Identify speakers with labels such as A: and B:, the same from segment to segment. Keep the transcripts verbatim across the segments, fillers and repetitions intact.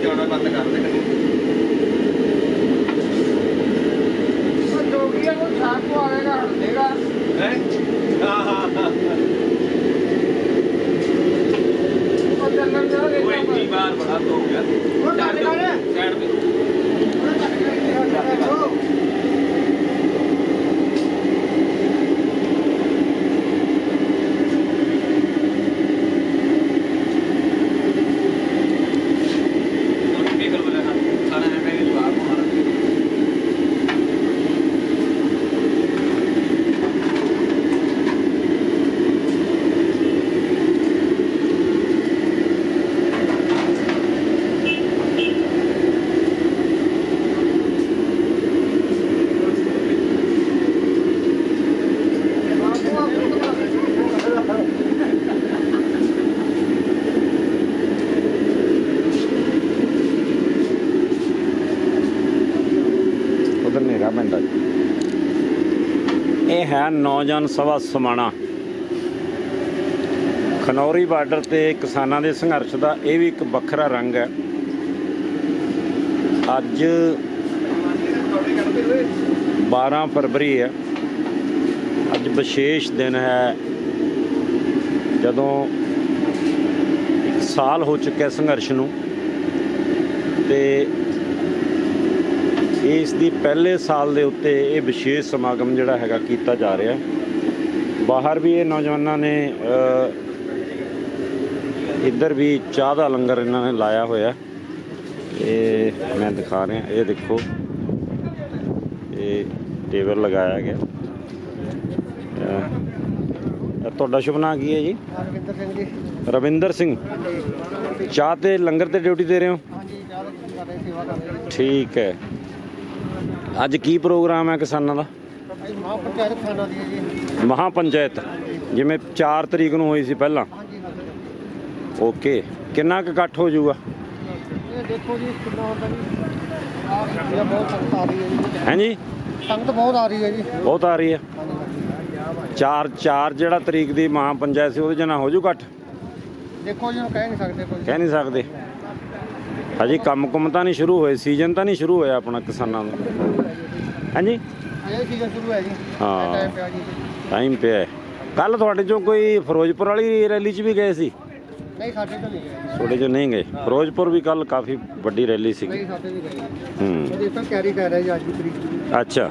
A: ਜਾਣਾ ਬੰਦ ਕਰ ਦੇ ਜੋਗੀਆ ਨੂੰ ਸਾਥ ਕੋ ਆਏਗਾ ਹਟ ਦੇਗਾ ਹੈ ਹਾਂ ਹਾਂ ਹਾਂ ਉਹ ਚੱਲਣ ਦਾ ਉਹ ਇੰਨੀ ਬਾਰ ਬੜਾ ਹੋ ਗਿਆ ਉਹ ਚੱਲ ਸਾਈਡ ਤੇ ਇਹ ਹੈ ਨੌਜਵਾਨ ਸਭਾ ਸਮਾਣਾ ਖਨੌਰੀ ਬਾਰਡਰ ਤੇ ਕਿਸਾਨਾਂ ਦੇ ਸੰਘਰਸ਼ ਦਾ ਇਹ ਵੀ ਇੱਕ ਵੱਖਰਾ ਰੰਗ ਹੈ। ਅੱਜ ਬਾਰਾਂ ਫਰਵਰੀ ਹੈ। ਅੱਜ ਵਿਸ਼ੇਸ਼ ਦਿਨ ਹੈ ਜਦੋਂ ਇੱਕ ਸਾਲ ਹੋ ਚੁੱਕਿਆ ਸੰਘਰਸ਼ ਨੂੰ ਤੇ ਇਸ ਦੀ ਪਹਿਲੇ ਸਾਲ ਦੇ ਉੱਤੇ ਇਹ ਵਿਸ਼ੇਸ਼ ਸਮਾਗਮ ਜਿਹੜਾ ਹੈਗਾ ਕੀਤਾ ਜਾ ਰਿਹਾ। ਬਾਹਰ ਵੀ ਇਹ ਨੌਜਵਾਨਾਂ ਨੇ ਇੱਧਰ ਵੀ ਚਾਹ ਦਾ ਲੰਗਰ ਇਹਨਾਂ ਨੇ ਲਾਇਆ ਹੋਇਆ। ਇਹ ਮੈਂ ਦਿਖਾ ਰਿਹਾ, ਇਹ ਦੇਖੋ ਇਹ ਟੇਬਲ ਲਗਾਇਆ ਗਿਆ। ਤੁਹਾਡਾ ਸ਼ੁਭ ਨਾਮ ਕੀ ਹੈ ਜੀ? ਰਵਿੰਦਰ ਸਿੰਘ ਜੀ। ਰਵਿੰਦਰ ਸਿੰਘ, ਚਾਹ ਤੇ ਲੰਗਰ ਤੇ ਡਿਊਟੀ ਦੇ ਰਹੇ ਹੋ? ਹਾਂਜੀ, ਚਾਹ ਤੇ ਲੰਗਰ ਦੀ ਸੇਵਾ ਕਰ ਰਹੇ ਹਾਂ। ਠੀਕ ਹੈ। ਅੱਜ ਕੀ ਪ੍ਰੋਗਰਾਮ ਹੈ ਕਿਸਾਨਾਂ ਦਾ? ਮਹਾਪੰਚਾਇਤ ਕਿਸਾਨਾਂ ਦੀ ਹੈ ਜੀ। ਮਹਾਪੰਚਾਇਤ ਜਿਵੇਂ ਚਾਰ ਤਰੀਕ ਨੂੰ ਹੋਈ ਸੀ ਪਹਿਲਾਂ? ਓਕੇ। ਕਿੰਨਾ ਕੁ ਇਕੱਠ ਹੋ ਜਾਊਗਾ? ਇਹ ਦੇਖੋ ਜੀ ਕਿੰਨਾ ਹੁੰਦਾ ਜੀ। ਬਹੁਤ ਸੰਗਤ ਆ ਰਹੀ ਹੈ ਜੀ। ਹੈ ਜੀ, ਸੰਗਤ ਬਹੁਤ ਆ ਰਹੀ ਹੈ ਜੀ। ਬਹੁਤ ਆ ਰਹੀ ਹੈ। ਚਾਰ ਚਾਰ ਜਿਹੜਾ ਤਰੀਕ ਦੀ ਮਹਾਪੰਚਾਇਤ ਸੀ ਉਹਦੇ 'ਚ ਨਾ ਹੋ ਜੂ ਇਕੱਠ? ਦੇਖੋ ਜੀ ਕਹਿ ਨਹੀਂ ਸਕਦੇ। ਕਹਿ ਨਹੀਂ ਸਕਦੇ ਹਜੇ ਕੰਮ ਕੁੰਮ ਤਾਂ ਨਹੀਂ ਸ਼ੁਰੂ ਹੋਏ, ਸੀਜ਼ਨ ਤਾਂ ਨਹੀਂ ਸ਼ੁਰੂ ਹੋਇਆ ਆਪਣਾ ਕਿਸਾਨਾਂ ਦਾ। ਹਾਂਜੀ, ਸੀਜ਼ਨ ਸ਼ੁਰੂ ਹੈ ਜੀ। ਹਾਂ, ਟਾਈਮ ਪਿਆ। ਕੱਲ ਤੁਹਾਡੇ ਚੋਂ ਕੋਈ ਫਿਰੋਜ਼ਪੁਰ ਵਾਲੀ ਰੈਲੀ 'ਚ ਵੀ ਗਏ ਸੀ? ਨਹੀਂ, ਸਾਡੇ ਤੋਂ ਨਹੀਂ ਗਏ। ਤੁਹਾਡੇ ਚੋਂ ਨਹੀਂ ਗਏ? ਫਿਰੋਜ਼ਪੁਰ ਵੀ ਕੱਲ ਕਾਫੀ ਵੱਡੀ ਰੈਲੀ ਸੀ। ਹੂੰ, ਕੈਰੀ ਕਰ ਰਿਹਾ ਜੀ ਅੱਜ ਦੀ ਤਰੀਕ। ਅੱਛਾ।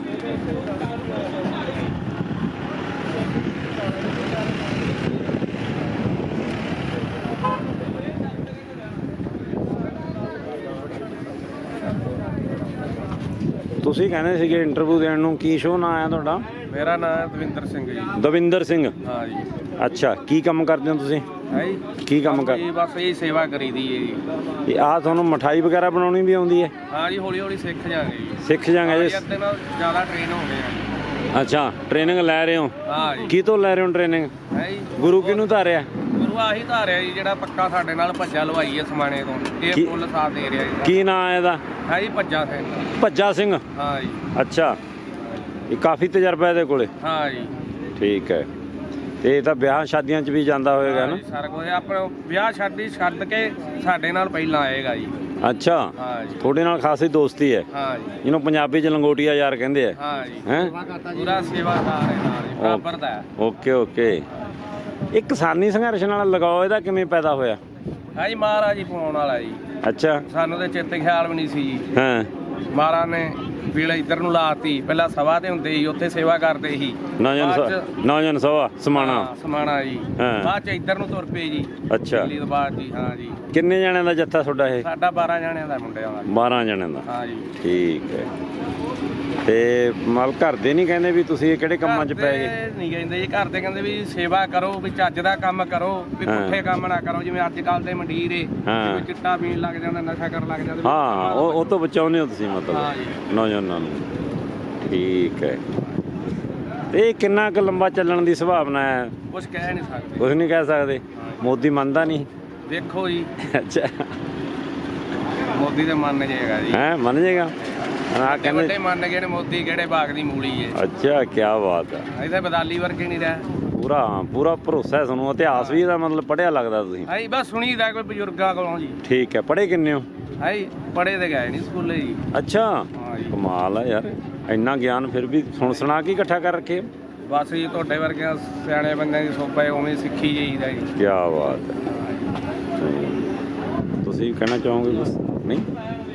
A: ਤੁਸੀਂ ਕਹਿੰਦੇ ਸੀਗੇ ਇੰਟਰਵਿਊ ਦੇਣ ਨੂੰ, ਕੀ ਸ਼ੋਅ ਨਾਂ ਆਇਆ ਤੁਹਾਡਾ? ਮੇਰਾ ਨਾਮ ਹੈ ਦਵਿੰਦਰ ਸਿੰਘ ਜੀ। ਦਵਿੰਦਰ ਸਿੰਘ? ਹਾਂ ਜੀ। ਅੱਛਾ, ਕੀ ਕੰਮ ਕਰਦੇ ਹੋ ਤੁਸੀਂ? ਹੈ ਜੀ, ਕੀ ਕੰਮ ਕਰਦੇ? ਬਸ ਇਹ ਸੇਵਾ ਕਰੀਦੀ ਹੈ ਜੀ। ਇਹ ਆਹ ਤੁਹਾਨੂੰ ਮਠਾਈ ਵਗੈਰਾ ਬਣਾਉਣੀ ਵੀ ਆਉਂਦੀ ਹੈ? ਹਾਂ ਜੀ, ਹੌਲੀ ਹੌਲੀ ਸਿੱਖ ਜਾਵਾਂਗੇ ਜੀ। ਸਿੱਖ ਜਾਵਾਂਗੇ ਜੀ। ਅੱਧੇ ਨਾਲ ਜ਼ਿਆਦਾ ਟ੍ਰੇਨ ਹੋ ਗਏ ਆ। ਅੱਛਾ, ਟ੍ਰੇਨਿੰਗ ਲੈ ਰਹੇ ਹੋ? ਹਾਂ ਜੀ। ਕੀ ਤੋਂ ਲੈ ਰਹੇ ਹੋ ਟ੍ਰੇਨਿੰਗ? ਹੈ ਜੀ, ਗੁਰੂ ਕਿਹਨੂੰ ਧਾਰਿਆ? ਗੁਰੂ ਆਹੀ ਧਾਰਿਆ ਜੀ ਜਿਹੜਾ ਪੱਕਾ ਸਾਡੇ ਨਾਲ ਭੱਜਾ ਲਵਾਈ ਹੈ ਸਮਾਣੇ ਤੋਂ। ਇਹ ਫੁੱਲ ਸਾਥ ਦੇ ਰਿਹਾ ਜੀ। ਕੀ ਨਾਂ ਹੈ ਇਹਦਾ? ਹੈ ਜੀ ਭੱਜਾ ਸਿੰਘ। ਭੱਜਾ ਸਿੰਘ? ਹਾਂ ਜੀ। ਅੱਛਾ, ਇਹ ਕਾਫੀ ਤਜਰਬਾ ਇਹਦੇ ਕੋਲੇ? ਹਾਂ ਜੀ। ਠੀਕ ਹੈ। ਤੇ ਇਹ ਤਾਂ ਵਿਆਹ ਸ਼ਾਦੀਆਂ 'ਚ ਵੀ ਜਾਂਦਾ ਹੋਏਗਾ ਨਾ? ਸਾਰਾ ਕੁਝ ਆਪਣਾ ਵਿਆਹ ਸ਼ਾਦੀ ਛੱਡ ਕੇ ਸਾਡੇ ਨਾਲ ਪਹਿਲਾਂ ਆਏਗਾ ਜੀ। ਅੱਛਾ, ਹਾਂ ਜੀ। ਤੁਹਾਡੇ ਨਾਲ ਖਾਸੀ ਦੋਸਤੀ ਹੈ? ਹਾਂ ਜੀ। ਜਿਹਨੂੰ ਪੰਜਾਬੀ 'ਚ ਲੰਗੋਟੀਆ ਯਾਰ ਕਹਿੰਦੇ ਆ? ਹਾਂ ਜੀ। ਹੈ ਪੂਰਾ ਸੇਵਾਦਾਰ ਹੈ ਨਾਲ ਜੀ, ਬਰਾਬਰ ਦਾ। Okay okay. ਇਹ ਕਿਸਾਨੀ ਸੰਘਰਸ਼ ਨਾਲ ਲਗਾਓ ਇਹਦਾ ਕਿਵੇਂ ਪੈਦਾ ਹੋਇਆ? ਹਾਂ ਜੀ, ਮਹਾਰਾਜ ਜੀ ਪਾਉਣ ਵਾਲਾ ਜੀ। ਅੱਛਾ। ਸਾਨੂੰ ਤਾਂ ਚੇਤੇ ਖਿਆਲ ਵੀ ਨਹੀਂ ਸੀ ਜੀ। ਹਾਂ, ਮਹਾਰਾਜ ਨੇ ਵੇਲੇ ਇੱਧਰ ਨੂੰ ਲਾਤੀ। ਪਹਿਲਾਂ ਸਭਾ ਤੇ ਹੁੰਦੇ ਸੀ, ਉੱਥੇ ਸੇਵਾ ਕਰਦੇ ਸੀ। ਨੌਜਵਾਨ ਸਭਾ ਸਮਾਣਾ? ਸਮਾਣਾ ਜੀ। ਬਾਅਦ ਚ ਇੱਧਰ ਨੂੰ ਤੁਰ ਪਏ ਜੀ। ਅੱਛਾ, ਦਿੱਲੀ ਤੋਂ ਬਾਅਦ ਜੀ। ਹਾਂ ਜੀ। ਕਿੰਨੇ ਜਣਿਆਂ ਦਾ ਜੱਥਾ ਤੁਹਾਡਾ ਇਹ? ਸਾਡਾ ਬਾਰਾਂ ਜਣਿਆਂ ਦਾ ਮੁੰਡਿਆਂ ਦਾ। ਬਾਰਾਂ ਜਣਿਆਂ ਦਾ? ਹਾਂ ਜੀ। ਠੀਕ ਹੈ। ਤੇ ਮਲ ਘਰ ਦੇ ਨਹੀਂ ਕਹਿੰਦੇ ਵੀ ਤੁਸੀਂ ਕਿਹੜੇ ਕੰਮਾਂ 'ਚ ਪੈ ਗਏ? ਨਹੀਂ ਕਹਿੰਦੇ ਜੀ, ਘਰ ਦੇ ਕਹਿੰਦੇ ਵੀ ਸੇਵਾ ਕਰੋ, ਵੀ ਚੱਜ ਦਾ ਕੰਮ ਕਰੋ, ਵੀ ਪੁੱਠੇ ਕੰਮ ਨਾ ਕਰੋ ਜਿਵੇਂ ਅੱਜ ਕੱਲ ਦੇ ਮੰਡੀਰ ਏ ਚਿੱਟਾ ਪੀਣ ਲੱਗ ਜਾਂਦਾ, ਨਸ਼ਾ ਕਰਨ ਲੱਗ ਜਾਂਦਾ। ਹਾਂ, ਉਹ ਉਹ ਤੋਂ ਬਚਾਉਂਦੇ ਹੋ ਤੁਸੀਂ ਮਤਲਬ ਨੌਜਵਾਨਾਂ ਨੂੰ? ਠੀਕ ਹੈ। ਤੇ ਇਹ ਕਿੰਨਾ ਕੁ ਲੰਬਾ ਚੱਲਣ ਦੀ ਸੰਭਾਵਨਾ ਹੈ? ਕੁਛ ਕਹਿ ਨਹੀਂ ਸਕਦੇ। ਕੁਛ ਨਹੀਂ ਕਹਿ ਸਕਦੇ? ਮੋਦੀ ਮੰਨਦਾ ਨਹੀਂ? ਦੇਖੋ ਜੀ। ਅੱਛਾ, ਮੋਦੀ ਤੇ ਮੰਨ ਜਾਏਗਾ ਜੀ। ਹੈ ਮੰਨ ਜਾਏਗਾ? ਹਾਂ, ਕਹਿੰਦੇ ਮੰਨ ਗਏ ਨੇ। ਮੋਦੀ ਕਿਹੜੇ ਬਾਗ ਦੀ ਮੂਲੀ ਹੈ। ਅੱਛਾ, ਕੀ ਬਾਤ ਹੈ। ਇੱਥੇ ਬਦਾਲੀ ਵਰਗੇ ਨਹੀਂ ਰਿਹਾ। ਪੂਰਾ ਪੂਰਾ ਭਰੋਸਾ ਹੈ ਤੁਹਾਨੂੰ? ਇਤਿਹਾਸ ਵੀ ਇਹਦਾ ਮਤਲਬ ਪੜ੍ਹਿਆ ਲੱਗਦਾ ਤੁਸੀਂ? ਹਾਂ ਜੀ, ਬਸ ਸੁਣੀਦਾ ਕੋਈ ਬਜ਼ੁਰਗਾਂ ਕੋਲੋਂ ਜੀ। ਠੀਕ ਹੈ। ਪੜ੍ਹੇ ਕਿੰਨੇ ਹੋ?
B: ਹੈ ਜੀ ਪੜ੍ਹੇ ਤੇ ਗਏ ਨਹੀਂ ਸਕੂਲੇ ਜੀ।
A: ਅੱਛਾ,
B: ਹਾਂ ਜੀ।
A: ਕਮਾਲ ਆ ਯਾਰ, ਇੰਨਾ ਗਿਆਨ ਫਿਰ ਵੀ ਸੁਣ ਸੁਣਾ ਕੇ ਇਕੱਠਾ ਕਰ ਰੱਖੇ।
B: ਬਸ ਜੀ ਤੁਹਾਡੇ ਵਰਗੇ ਸਿਆਣੇ ਬੰਦਿਆਂ ਦੀ ਸੋਭਾ ਉਵੇਂ ਸਿੱਖੀ ਜਾਈਦਾ ਜੀ।
A: ਕੀ ਬਾਤ ਹੈ। ਤੁਸੀਂ ਕਹਿਣਾ ਚਾਹੋਗੇ ਕੁਛ? ਨਹੀਂ।